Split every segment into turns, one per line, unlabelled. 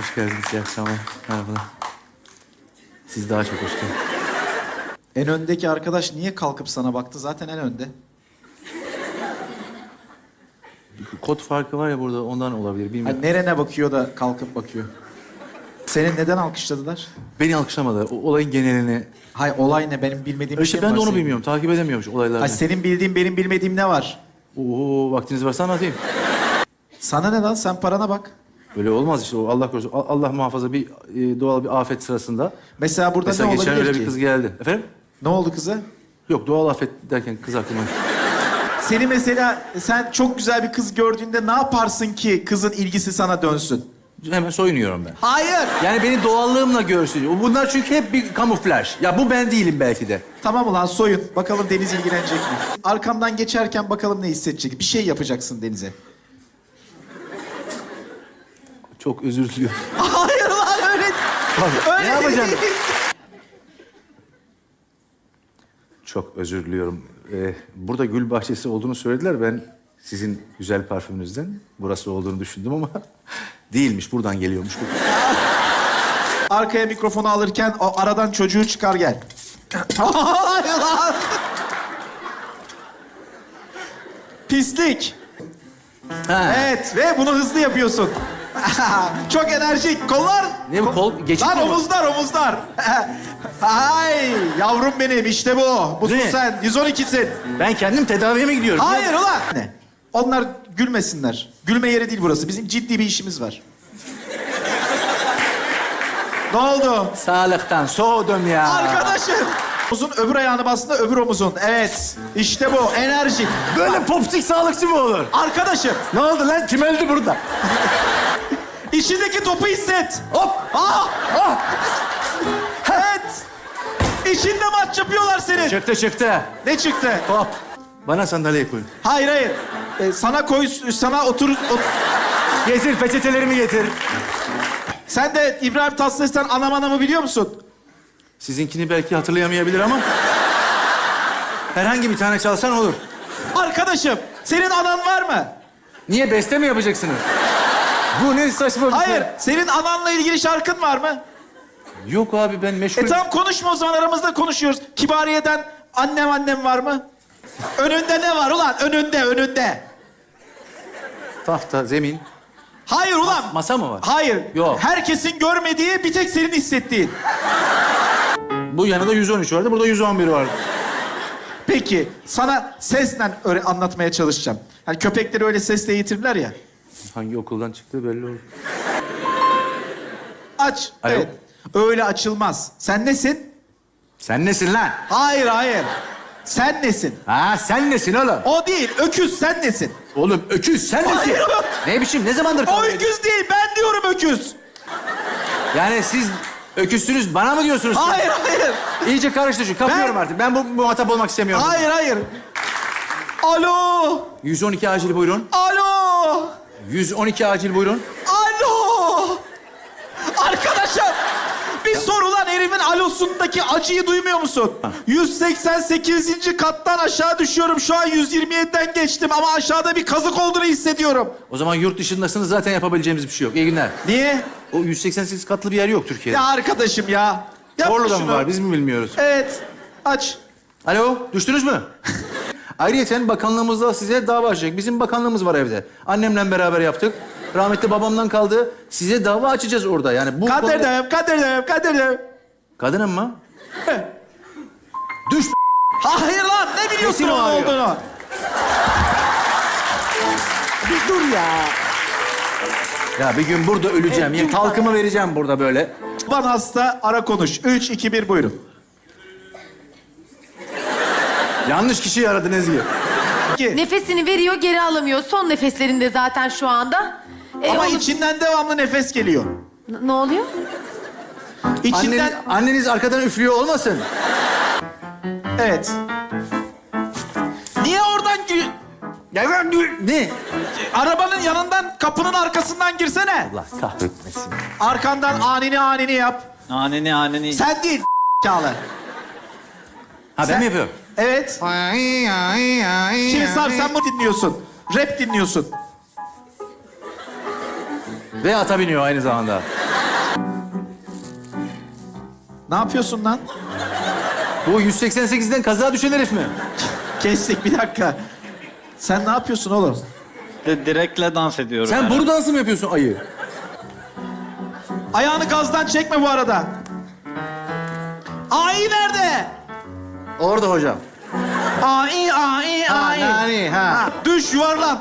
Hoş geldiniz. İyi akşamlar. Merhabalar. Siz daha çok hoş geldiniz.
En öndeki arkadaş niye kalkıp sana baktı? Zaten en önde.
Kod farkı var ya burada, ondan olabilir. Bilmiyorum.
Hani nerene bakıyor da kalkıp bakıyor? Seni neden alkışladılar?
Beni alkışlamadı. O olayın genelini...
Hay olay ne? Benim bilmediğim bir şey
İşte
mi
ben
var
de onu
senin?
bilmiyorum. Takip edemiyormuş olayları.
Hay senin bildiğin benim bilmediğim ne var?
Oo, vaktiniz varsa anlatayım.
Sana ne lan? Sen parana bak.
Böyle olmaz işte. O Allah korusun. Allah muhafaza bir doğal bir afet sırasında.
Mesela burada
Mesela
ne
geçen
olabilir
öyle
ki?
bir kız geldi. Efendim?
Ne oldu kıza?
Yok, doğal afet derken kız aklıma.
Seni mesela sen çok güzel bir kız gördüğünde ne yaparsın ki kızın ilgisi sana dönsün?
Hemen soyunuyorum ben.
Hayır.
Yani beni doğallığımla görsün. Bunlar çünkü hep bir kamuflaj. Ya bu ben değilim belki de.
Tamam ulan soyun. Bakalım Deniz ilgilenecek mi? Arkamdan geçerken bakalım ne hissedecek. Bir şey yapacaksın Deniz'e.
Çok özür diliyorum.
Hayır lan öyle.
Abi,
Öyle
ne yapacağım?
değil.
Çok özür diliyorum. Burada gül bahçesi olduğunu söylediler. Ben sizin güzel parfümünüzden burası olduğunu düşündüm ama değilmiş. Buradan geliyormuş.
Arkaya mikrofonu alırken o aradan çocuğu çıkar gel. Hayır lan. Pislik.
Ha.
Evet ve bunu hızlı yapıyorsun. Çok enerjik. Kollar.
Ne bu kol? Geçit
Lan
mi bu?
omuzlar. Ay yavrum benim işte bu. Busun
Ne?
sen. 112'sin.
Ben kendim tedaviye mi gidiyorum?
Hayır ulan. Ne? Onlar gülmesinler. Gülme yeri değil burası. Bizim ciddi bir işimiz var. Ne oldu?
Sağlıktan soğudum ya.
Arkadaşım. Omuzun öbür ayağını bastığında öbür omuzun. Evet. İşte bu. Enerji.
Böyle popsik sağlıkçı mı olur?
Arkadaşım.
Ne oldu lan? Kim öldü burada?
İçindeki topu hisset.
Hop!
Ah!
Ah!
Evet. İçinde maç yapıyorlar senin.
Çıktı.
Ne çıktı?
Hop! Bana sandalye koyun.
Hayır. Sana koy, sana otur.
Getir, peçetelerimi getir.
Sen de İbrahim Tatlıses'ten anam anamı biliyor musun?
Sizinkini belki hatırlayamayabilir ama... herhangi bir tane çalsan olur.
Arkadaşım, senin anan var mı?
Niye, beste mi yapacaksınız? Bu ne saçma bir şey.
Hayır, senin ananla ilgili şarkın var mı?
Yok abi, ben meşgul...
Tamam konuşma o zaman, aramızda konuşuyoruz. Kibariye'den annem var mı? Önünde ne var ulan? Önünde.
Tahta, zemin.
Hayır ulan.
Masa mı var?
Hayır.
Yok.
Herkesin görmediği, bir tek senin hissettiğin.
Bu yanında 113 vardı, burada 111 vardı.
Peki, sana sesle anlatmaya çalışacağım. Hani köpekleri öyle sesle eğitirler ya.
Hangi okuldan çıktığı belli oldu.
Aç.
Alo.
Evet. Öyle açılmaz. Sen nesin?
Sen nesin lan?
Hayır. Sen nesin?
Ha, sen nesin oğlum?
O değil, öküz sen nesin?
Oğlum öküz, sen nesin?
Hayır.
Ne biçim, ne zamandır
O
kavga ediyorsun?
öküz değil, ben diyorum öküz.
Yani siz öküzsünüz, bana mı diyorsunuz?
Hayır.
İyice karıştı şu, kapıyorum
Ben-
artık. Ben bu muhatap olmak istemiyorum.
Hayır. Alo.
112 acil buyurun.
Alo.
112 acil buyurun.
Alo. Arkadaşım. Bir sor ulan, herifin alosundaki acıyı duymuyor musun? 188. kattan aşağı düşüyorum. Şu an 127'den geçtim ama aşağıda bir kazık olduğunu hissediyorum.
O zaman yurt dışındasınız, zaten yapabileceğimiz bir şey yok. İyi günler.
Niye?
O 188 katlı bir yer yok Türkiye'de.
Ya arkadaşım ya. Yapma
Orada mı
şunu.
var, biz mi bilmiyoruz?
Evet. Aç.
Alo, düştünüz mü? Ayrıyeten bakanlığımızda size dava açacak. Bizim bakanlığımız var evde. Annemle beraber yaptık. Rahmetli babamdan kaldı. Size dava açacağız orada. Yani bu...
Kadir'im.
Kadının mı? Düş.
Hayır lan, ne biliyorsun
Kesin o
onun
arıyor.
olduğunu?
Bir dur ya. Ya bir gün burada öleceğim. Ya talkımı vereceğim burada böyle.
Baban hasta, ara konuş. 3, 2, 1 buyurun.
Yanlış kişiyi aradın Ezgi.
İki.
Nefesini veriyor, geri alamıyor. Son nefeslerinde zaten şu anda.
Ama
onu-
içinden devamlı nefes geliyor.
Ne oluyor?
İçinden...
Anneniz arkadan üflüyor olmasın?
Evet. Niye oradan...
Ne?
Arabanın yanından, kapının arkasından girsene.
Allah kahretmesin.
Arkandan anini yap.
Aneni.
Sen değil Çağla.
Ha, ben mi yapıyorum?
Evet. Şimdi Sarp sen bunu dinliyorsun. Rap dinliyorsun.
Ve ata biniyor aynı zamanda.
Ne yapıyorsun lan?
Bu 188'den kaza düşen herif mi?
Kestik bir dakika. Sen ne yapıyorsun oğlum?
Direkle dans ediyorum.
Sen boru dansı mı yapıyorsun ayı?
Ayağını gazdan çekme bu arada. Ai nerede?
Orada hocam.
Ai.
Nani, ha.
Düş yuvarlan.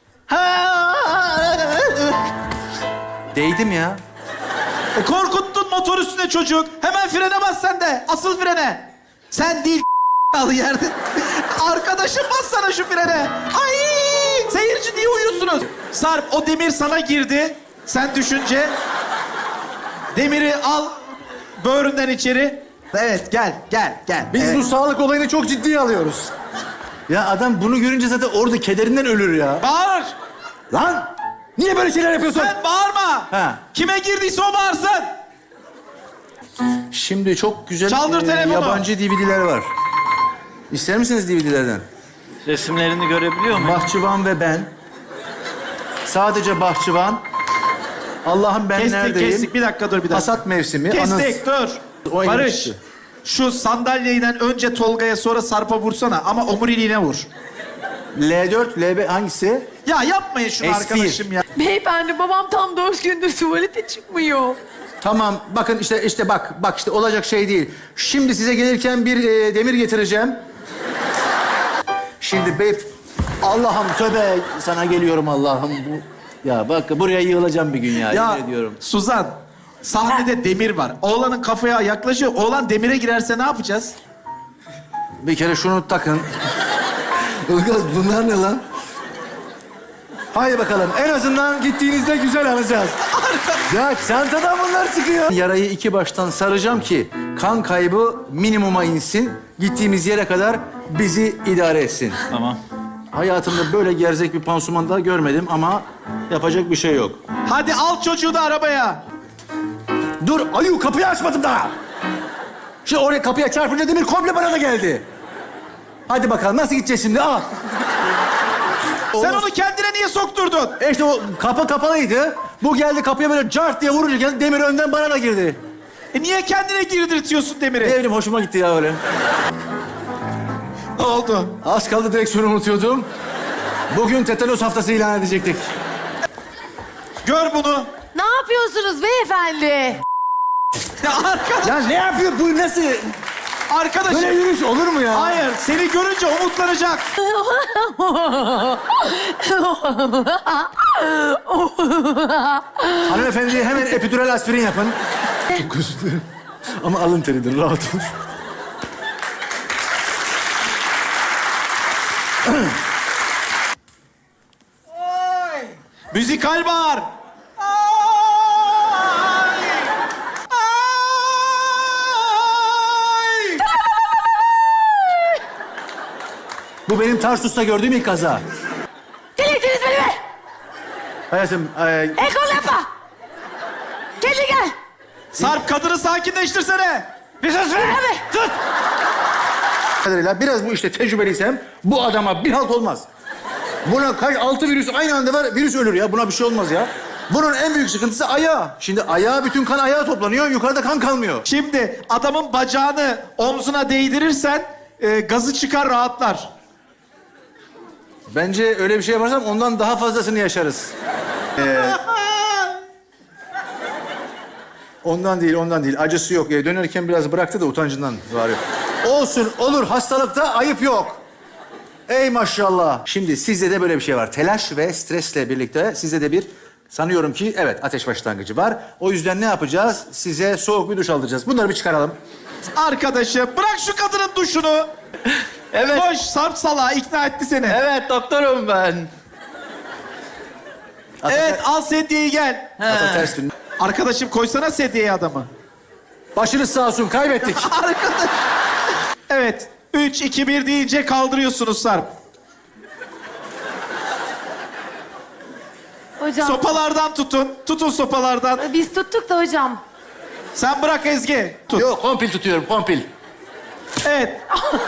Değdim ya.
Korkuttun motor üstüne çocuk. Hemen frene bas sen de. Asıl frene. Sen değil al yerde. Arkadaşım bas sana şu frene. Ay! Seyirci niye uyuyorsunuz? Sarp o demir sana girdi. Sen düşünce. Demiri al böğründen içeri. Evet gel.
Biz
Evet.
bu sağlık olayını çok ciddiye alıyoruz. Ya adam bunu görünce zaten orada kederinden ölür ya.
Bağır.
Lan! Niye böyle şeyler yapıyorsun?
Sen bağırma.
Ha.
Kime girdiyse o bağırsın.
Şimdi çok güzel
Çaldır telefonu.
yabancı DVD'ler var. İster misiniz DVD'lerden?
Resimlerini görebiliyor muyum?
Bahçıvan ve ben. Sadece Bahçıvan. Allah'ım ben neredeyim?
Kestik. Bir dakika dur bir dakika.
Hasat mevsimi.
Kestik dur.
O
Barış.
geçti.
Şu sandalyeden önce Tolga'ya sonra Sarp'a vursana ama omuriliğine vur.
L4, LB hangisi?
Ya yapmayın şunu
S1.
arkadaşım ya.
Beyefendi babam tam 4 gündür tuvalete çıkmıyor.
Tamam bakın işte bak işte olacak şey değil. Şimdi size gelirken bir demir getireceğim. Şimdi bey Allah'ım tövbe sana geliyorum Allah'ım bu. Ya bak buraya yığılacağım bir gün ya,
Ya
yemin ediyorum.
Suzan, sahnede demir var. Oğlanın kafaya yaklaşıyor. Oğlan demire girerse ne yapacağız?
Bir kere şunu takın. Ilgaz bunlar ne lan? Haydi bakalım en azından gittiğinizde güzel alacağız. Ya çantadan bunlar çıkıyor. Yarayı iki baştan saracağım ki kan kaybı minimuma insin. Gittiğimiz yere kadar bizi idare etsin.
Tamam.
Hayatımda böyle gerzek bir pansuman daha görmedim ama yapacak bir şey yok.
Hadi al çocuğu da arabaya.
Dur ayu kapıyı açmadım daha. Şimdi oraya kapıya çarpınca demir komple bana da geldi. Hadi bakalım nasıl gideceğiz şimdi al.
Sen onu kendine niye sokturdun?
İşte o kapı kapalıydı. Bu geldi kapıya böyle cart diye vurunca geldi, demir önden bana da girdi.
Niye kendine girdirtiyorsun demiri?
Ne bileyim hoşuma gitti ya öyle.
Ne oldu?
Az kaldı direksiyonu unutuyordum. Bugün tetanos haftası ilan edecektik.
Gör bunu.
Ne yapıyorsunuz beyefendi?
Ya arkadaş,
Ya ne yapıyor bu nasıl?
arkadaşım.
Böyle yürüyüş olur mu ya?
Hayır, seni görünce umutlanacak.
Hanımefendi hemen epidural aspirin yapın. Çok özür dilerim. Ama alın teridir rahat ol.
Müzikal bağır.
Bu benim Tarsus'ta gördüğüm ilk kaza.
Delirtiniz beni be!
Hayatım,
Ekol yapma! Kendi gel!
Sarp kadını sakinleştirsene.
Bir sus be! Sus!
kadarıyla biraz bu işte tecrübeliysem bu adama bir halt olmaz. Buna kaç 6 virüs aynı anda var, virüs ölür ya. Buna bir şey olmaz ya. Bunun en büyük sıkıntısı ayağı. Şimdi ayağa bütün kan ayağa toplanıyor, yukarıda kan kalmıyor.
Şimdi adamın bacağını omzuna değdirirsen gazı çıkar rahatlar.
Bence öyle bir şey yaparsam ondan daha fazlasını yaşarız. Ondan değil. Acısı yok. Dönerken biraz bıraktı da utancından var. Olsun, olur. Hastalıkta ayıp yok. Ey maşallah. Şimdi sizde de böyle bir şey var. Telaş ve stresle birlikte sizde de bir sanıyorum ki evet ateş başlangıcı var. O yüzden ne yapacağız? Size soğuk bir duş aldıracağız. Bunları bir çıkaralım.
Arkadaşım bırak şu kadının duşunu.
Evet.
Koş Sarp salağı ikna etti seni.
Evet doktorum ben.
Evet al sedyeyi gel.
Ata ters dön.
Arkadaşım koysana sedyeye adamı.
Başınız sağ olsun. Kaybettik.
Arkadaş. Evet. 3, 2, 1 deyince kaldırıyorsunuz Sarp.
Hocam,
Sopalardan tutun. Tutun sopalardan.
biz tuttuk da hocam.
Sen bırak Ezgi. Tut.
Yok, kompil tutuyorum. Kompil.
Evet.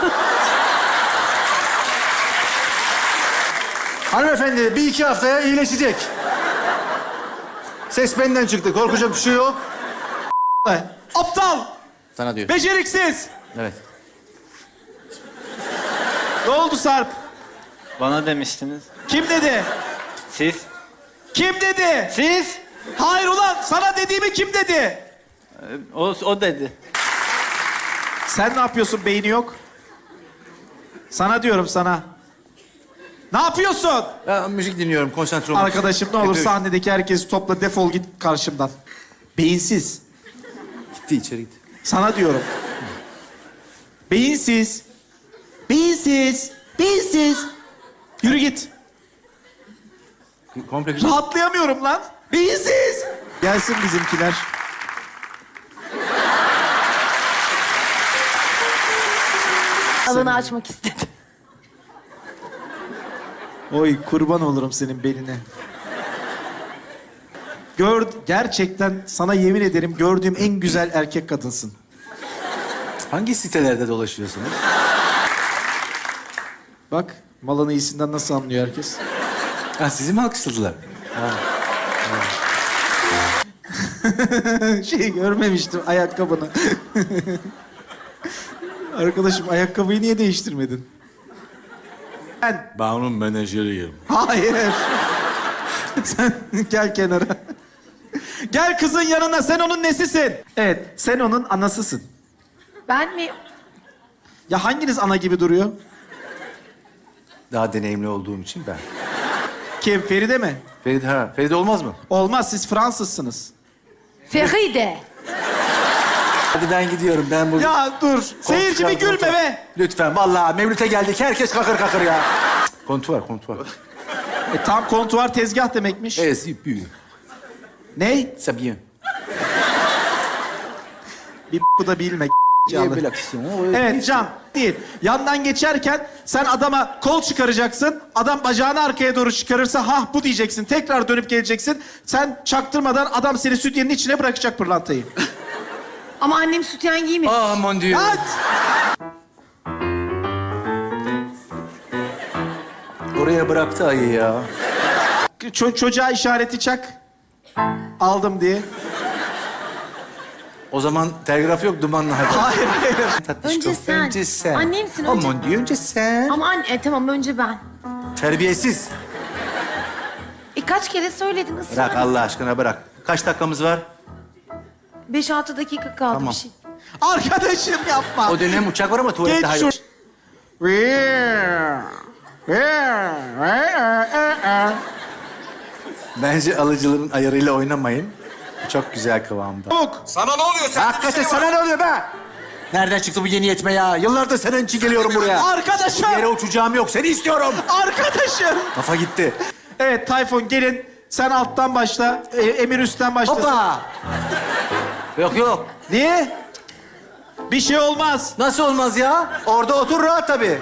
Hanımefendi bir iki haftaya iyileşecek. Ses benden çıktı. Korkacak bir şey yok.
Aptal.
Sana diyor.
Beceriksiz.
Evet.
Ne oldu Sarp?
Bana demiştiniz.
Kim dedi?
Siz?
Kim dedi?
Siz?
Hayır ulan sana dediğimi kim dedi?
O dedi.
Sen ne yapıyorsun beyni yok? Sana diyorum sana. Ne yapıyorsun?
Ben müzik dinliyorum, konsantre olmak için.
Arkadaşım ne olur
Yapıyorum.
sahnedeki herkesi topla defol git karşımdan. Beyinsiz.
Gitti içeri gitti.
Sana diyorum. Beyinsiz. Beyinsiz. Beyinsiz. Yürü git.
Komple
Rahatlayamıyorum lan. Beyinsiz. Gelsin bizimkiler.
Alanı açmak istedim.
Oy kurban olurum senin beline. Gerçekten sana yemin ederim gördüğüm en güzel erkek kadınsın.
Hangi sitelerde dolaşıyorsunuz?
Bak malın iyisinden nasıl anlıyor herkes.
Ha, sizi mi alkışladılar?
Şey görmemiştim ayakkabını. Arkadaşım ayakkabıyı niye değiştirmedin?
Ben onun menajeriyim.
Hayır. Sen gel kenara. Gel kızın yanına sen onun nesisin? Evet sen onun anasısın.
Ben mi?
Ya hanginiz ana gibi duruyor?
Daha deneyimli olduğum için ben.
Kim Feride mi?
Feride olmaz mı?
Olmaz siz Fransızsınız.
Feride.
Hadi ben gidiyorum, ben burada...
Ya dur seyirci bir gülme be.
Lütfen, vallahi Mevlüt'e geldik, herkes kakır kakır ya. Kontuvar.
Tam kontuar tezgah demekmiş.
Evet, c'est bien.
Ney?
C'est bien.
Bir bu da bilme.
Canlı.
Evet Can değil. Yandan geçerken sen adama kol çıkaracaksın. Adam bacağını arkaya doğru çıkarırsa ha bu diyeceksin. Tekrar dönüp geleceksin. Sen çaktırmadan adam seni sütyenin içine bırakacak pırlantayı.
Ama annem sütyen giymiyor.
Ah mon dieu.
At!
Oraya bıraktı ayı ya.
Çocuğa işareti çak. Aldım diye.
O zaman telgraf yok, dumanlı haber.
Hayır hayır.
Tatlışko,
Önce sen. Annemsin,
Oh
önce-
mon dieu, önce sen.
Ama anne tamam önce ben.
Terbiyesiz.
Kaç kere söyledin ısrar.
Bırak Allah aşkına, bırak. Kaç dakikamız var?
5-6 dakika kaldı
Tamam.
bir şey.
Arkadaşım yapma.
O dönem uçak var ama tuvalette
Geç
hayır.
şu...
Bence alıcıların ayarıyla oynamayın. Çok güzel kıvamda.
Çabuk.
Sana ne oluyor? Sen
Hakikaten sana ne oluyor be? Nereden çıktı bu yeni yetme ya? Yıllardır senin için geliyorum buraya.
Arkadaşım.
Bir yere uçacağım yok, seni istiyorum.
Arkadaşım.
Kafa gitti.
Evet Tayfun gelin. Sen alttan başla. Emir üstten başlasın.
Hoppa. Yok.
Niye? Bir şey olmaz.
Nasıl olmaz ya? Orada otur rahat tabii.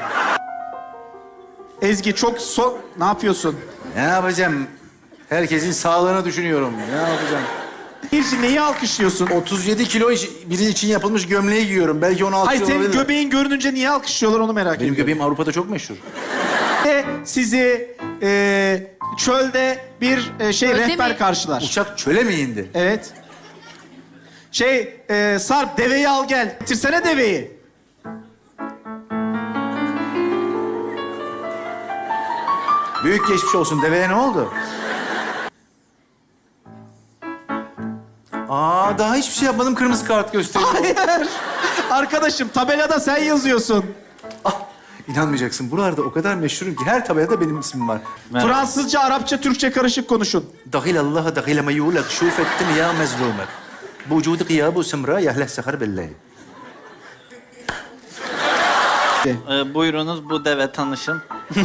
Ezgi çok Ne yapıyorsun?
Ne yapacağım? Herkesin sağlığını düşünüyorum. Ne yapacağım?
Bir neyi alkışlıyorsun?
37 kilo biri için yapılmış gömleği giyiyorum. Belki 16
Hayır
kilo
senin
olabilir.
göbeğin görününce niye alkışlıyorlar onu merak
Benim
ediyorum.
göbeğim Avrupa'da çok meşhur.
Sizi çölde bir
Çölde
rehber
mi?
karşılar.
Uçak çöle mi indi?
Evet. Sarp deveyi al gel. Getirsene deveyi.
Büyük geçmiş olsun. Deveye ne oldu? Daha hiçbir şey yapmadım. Kırmızı kart gösteriyor.
Hayır. Arkadaşım tabelada sen yazıyorsun.
İnanmayacaksın. Buralarda o kadar meşhurum ki her tabelada benim ismim var.
Merhaba.
Fransızca, Arapça, Türkçe karışık konuşun.
Dahil Allah dahil ma yulak şuf ettim ya mezlumek. Bu vücudu kıyabu semra yahleh sehar billahi.
Buyurunuz bu deve tanışın.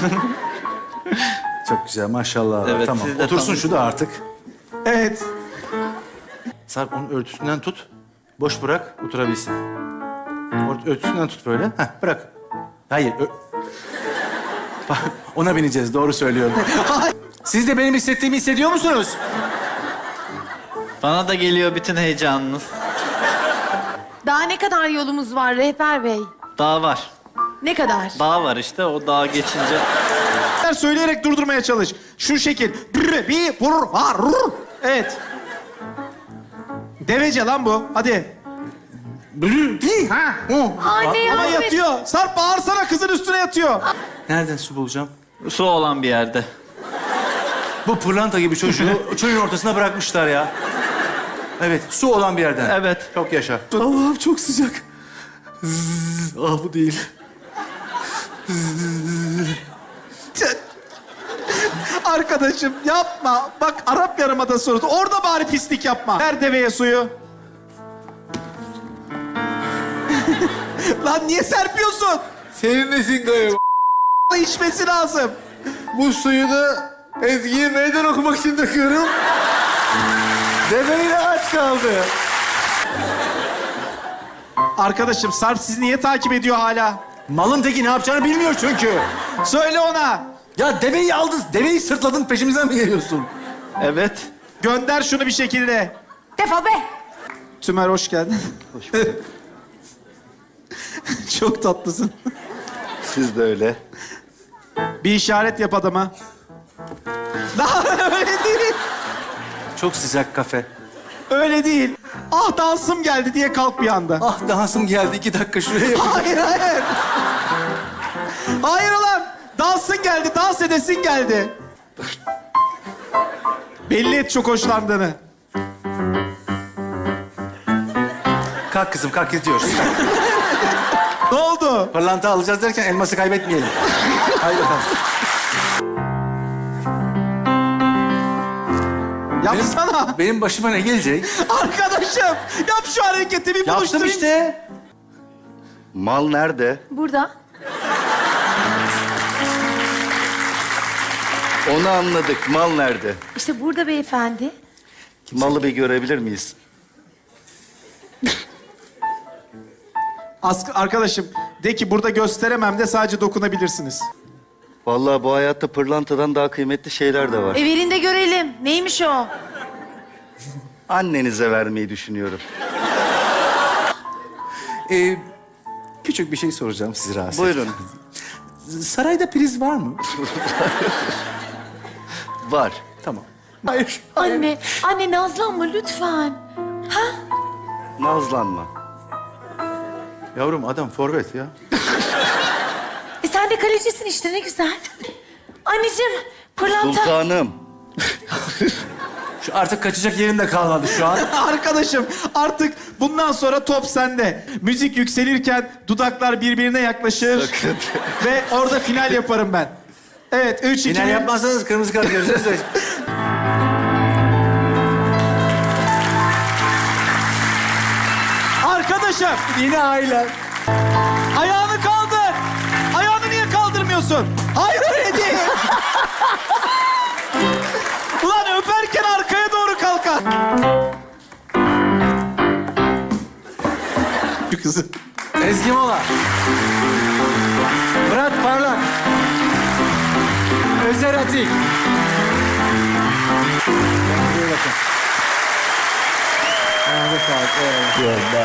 Çok güzel maşallah.
Evet,
Tamam.
siz de
Otursun
tanışın.
şu da artık.
Evet.
Sarp onun örtüsünden tut. Boş bırak oturabilsin. Örtüsünden tut böyle. Heh, bırak. Hayır. Bak, ona bineceğiz. Doğru söylüyorum. Siz de benim hissettiğimi hissediyor musunuz?
Bana da geliyor bütün heyecanınız.
Daha ne kadar yolumuz var rehber bey?
Dağ var.
Ne kadar?
Dağ var işte. O dağa geçince...
Söyleyerek durdurmaya çalış. Şu şekil. Evet. Devece lan bu. Hadi.
Ha, o.
Anne
Ama
yardım et.
yatıyor. Sarp bağırsana, kızın üstüne yatıyor.
Nereden su bulacağım?
Su olan bir yerde.
Bu pırlanta gibi çocuğu çölün ortasına bırakmışlar ya. Evet, su olan bir yerden.
Evet.
Çok yaşa. Allah'ım çok sıcak. Ah bu değil.
Arkadaşım yapma. Bak Arap Yarımadası orası. Orada bari pislik yapma. Ver deveye suyu. Lan niye serpiyorsun?
Senin nesin galiba?
İçmesi lazım.
Bu suyu da Ezgi'ye meydan okumak için döküyorum. Deveyle aç kaldı.
Arkadaşım Sarp sizi niye takip ediyor hala?
Malın teki ne yapacağını bilmiyor çünkü.
Söyle ona.
Ya deveyi aldın, deveyi sırtladın peşimizden mi geliyorsun?
Evet.
Gönder şunu bir şekilde.
Defol be.
Tümer hoş geldin.
Hoş bulduk.
Çok tatlısın.
Siz de öyle.
Bir işaret yap adama. Daha öyle değil.
Çok sıcak kafe.
Öyle değil. Ah dansım geldi diye kalk bir anda.
Ah dansım geldi, 2 dakika şuraya yapayım.
Hayır, hayır. Hayır ulan. Dansın geldi, dans edesin geldi. Belli et çok hoşlandığını.
Kalk kızım, kalk gidiyoruz.
Ne oldu?
Pırlanta alacağız derken elması kaybetmeyelim. Haydi bakalım.
Yapsana.
Benim başıma ne gelecek?
Arkadaşım yap şu hareketi bir
Yaptım
buluşturayım.
işte.
Mal nerede?
Burada.
Onu anladık. Mal nerede?
İşte burada beyefendi.
Malı bir görebilir miyiz?
Arkadaşım de ki burada gösteremem de sadece dokunabilirsiniz.
Vallahi bu hayatta pırlantadan daha kıymetli şeyler de var.
Evinde görelim. Neymiş o?
Annenize vermeyi düşünüyorum.
Küçük bir şey soracağım sizi rahatsız.
Buyurun.
Sarayda priz var mı?
Var.
Tamam. Hayır.
Anne, anne nazlanma lütfen. Ha?
Nazlanma.
Yavrum adam forvet ya.
Sen de kalecisin işte ne güzel. Anneciğim, pırlanta.
Sultanım.
Şu artık kaçacak yerim de kalmadı şu an.
Arkadaşım artık bundan sonra top sende. Müzik yükselirken dudaklar birbirine yaklaşır.
Sakın.
Ve orada final yaparım ben. Evet, 3, 2, 1.
Final yapmazsanız kırmızı kart göreceğiz de.
Arkadaşım
Yine aile.
ayağını kaldır. Ayağını niye kaldırmıyorsun? Hayır öyle değil. Ulan öperken arkaya doğru kalkar. Şu kızı.
Ezgi Mola. Murat Parlak. Özer Atik. Buraya bakın. Ayağınıza sağlık. Eyvallah.